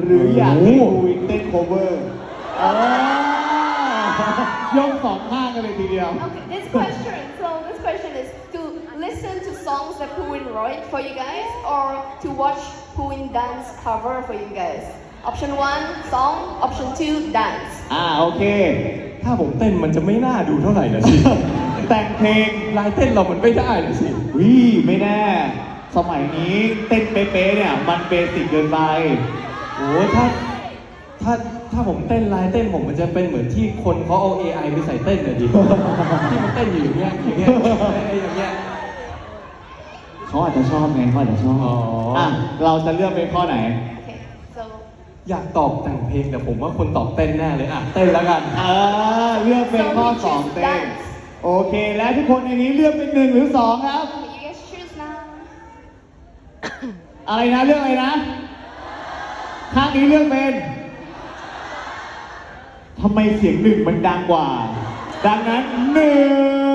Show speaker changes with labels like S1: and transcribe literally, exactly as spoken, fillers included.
S1: หรืออยากให้ภูวินเต้น cover ยกสองข้างกันเลยทีเดียว
S2: Okay, this question. So this question is to listen to songs that Pooin wrote for you guys, or to watch Pooin dance cover for you guys. Option one, song. Option two, dance.
S1: อ่าโอเค
S3: ถ้าผมเต้นมันจะไม่น่าดูเท่าไหร่นะสิ
S1: แต่งเพลง
S3: ลายเต้นเรามันไม่ได้นะสิ
S1: วิไม่แน่ สมัยนี้เต้นเป๊ะๆเนี่ยมันเบสิกเกินไป
S3: โอ้ถ้าถ้าถ้าผมเต้นลายเต้นผมมันจะเป็นเหมือนที่คนเขาเอา เอ ไอ ไปใส่เต้นน่ะดิ ที่มันเต้นอยู่อย่างเงี้ยอย่างเงี้ยไอ้อย่างเงี้ย
S1: เขาอาจจะชอบไงเขาอาจจะชอบ
S3: อ๋ออ่
S1: อ่ะเราจะเลือกเป็นข้อไหน
S2: Okay, so
S3: อยากตอบแต่งเพลงแต่ผมว่าคนตอบเต้นแน่เลยอ่ะเต้นแล้วกัน
S1: เออเลือกเป็นข้อสองเต้นโอเค และทุกคนในนี้เลือกเป็นหนึ่งหรือสองครับ
S2: okay, you guys choose now.
S1: อะไรนะเลือกอะไรนะ ข้างนี้เลือกเป็นทำไมเสียงหนึ่งมันดังกว่า ดังนั้นหนึ่ง